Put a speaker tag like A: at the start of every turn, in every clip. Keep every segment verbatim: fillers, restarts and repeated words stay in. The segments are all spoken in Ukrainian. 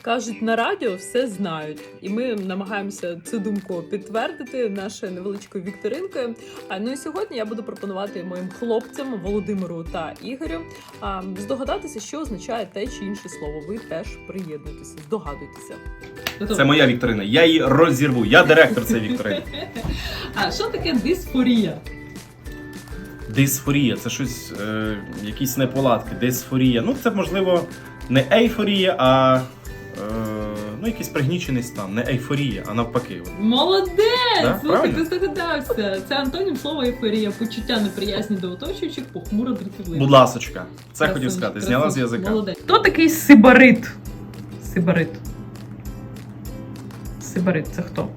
A: Кажуть, на радіо все знають, і ми намагаємося цю думку підтвердити нашою невеличкою вікторинкою. А ну і сьогодні я буду пропонувати моїм хлопцям Володимиру та Ігорю а, здогадатися, що означає те чи інше слово. Ви теж приєднуйтеся, здогадуйтеся.
B: Це моя вікторина. Я її розірву. Я директор цієї вікторини.
A: А що таке дисфорія?
B: Дисфорія це щось, е, якісь неполадки. Дисфорія. Ну, це можливо не ейфорія, а е, ну, якийсь пригнічений стан. Не ейфорія, а навпаки.
A: Молодець!
B: Да?
A: Слухай, ти здогадався. Це антонім слова ейфорія. Почуття неприязні до оточуючих, похмуро дратівливо.
B: Будь ласочка. Це
A: Красунчик,
B: хотів сказати.
A: красунчик.
B: Зняла з язика.
A: Молодець. Хто такий сибарит? Сибарит. Сибарит це хто?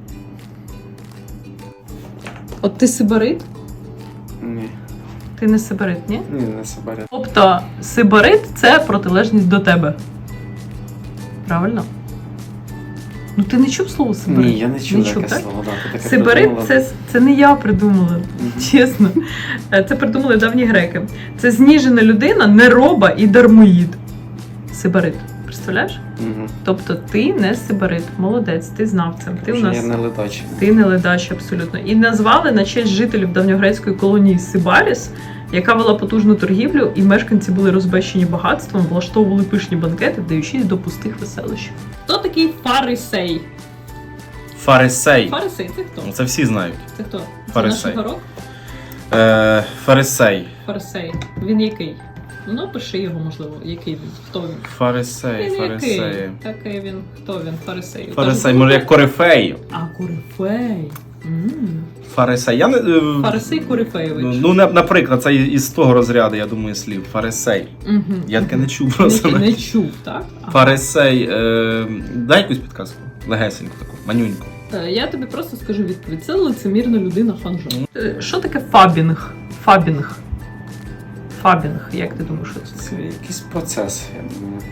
A: От ти сибарит?
C: Ні.
A: Ти не сибарит, ні?
C: Ні, не сибарит.
A: Тобто сибарит – це протилежність до тебе. Правильно? Ну ти не чув слово сибарит?
C: Ні, я не чув таке
A: так?
C: слово. Да, ти таке
A: Сибарит
C: придумала.
A: це, це не я придумала,
C: Мгм.
A: чесно. Це придумали давні греки. Це зніжена людина, нероба і дармоїд. Сибарит. Представляєш?
C: Мгм.
A: Тобто ти не сибарит. Молодець, ти знав це. Ти у
C: Вже
A: нас...
C: Я не ледач.
A: Ти не ледач, абсолютно. І назвали на честь жителів давньогрецької колонії Сибаріс, яка вела потужну торгівлю, і мешканці були розбещені багатством, влаштовували пишні банкети, вдаючись до пустих веселищ. Хто такий фарисей?
B: Фарисей.
A: Фарисей це хто?
B: Ну, це всі знають.
A: Це хто? Це
B: Фарисей.
A: наш горох?
B: Е, фарисей.
A: Фарисей. Він який? Ну, пиши його, можливо. Який він? Хто він?
B: Фарисей,
A: Він
B: фарисей.
A: який? Такий він. Хто він? Фарисей.
B: Фарисей, може як корифей.
A: А, корифей. М.
B: Фарисей. Я не... е,
A: Фарисей Корифеєвич.
B: Ну, ну, на- наприклад, це із того розряду, я думаю, слів. Фарисей.
A: Мгм.
B: Я таке не чув
A: Не,
B: просто.
A: не чув, так? Ага.
B: Фарисей. Е, дай якусь підказку. Легесеньку таку, манюньку.
A: Е, Я тобі просто скажу відповідь. Це лицемірна людина ханжа. Е, Що таке фабінг? Фабінг. Фабінг, як ти думаєш, що це
C: Це
A: таке?
C: якийсь процес, я думаю.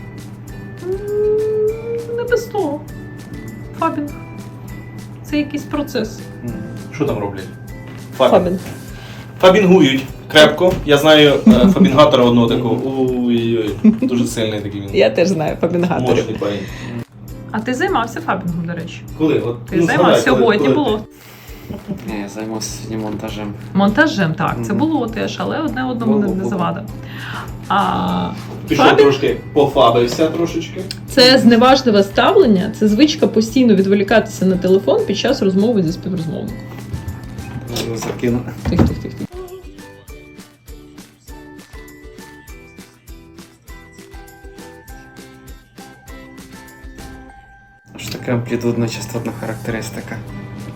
A: М, Не без того. Фабінг. Це якийсь процес.
C: Мгм.
B: Що там роблять? Фабінгують крепко. Я знаю е, фабінгатора одного такого. Ой-ой-ой. Дуже сильний такий він.
A: Я теж знаю фабінгаторів.
B: Мощний парень.
A: А ти займався фабінгом, до речі?
B: Коли? От,
A: Ти
B: ну,
A: займався?
B: згадай, коли-
A: Сьогодні
B: коли
A: було.
C: Ні, я займався сьогодні монтажем.
A: Монтажем, так, це
C: Мгм.
A: було теж, але одне одному не,
C: Було,
A: не
C: було.
A: завада. А,
B: ти- Пішов
A: Фабінг?
B: трошки, пофабився трошечки.
A: Це зневажливе ставлення, це звичка постійно відволікатися на телефон під час розмови зі співрозмовником.
C: Можу закину.
A: Тих, тих, тих, тих.
C: Що таке амплітудно-частотна характеристика?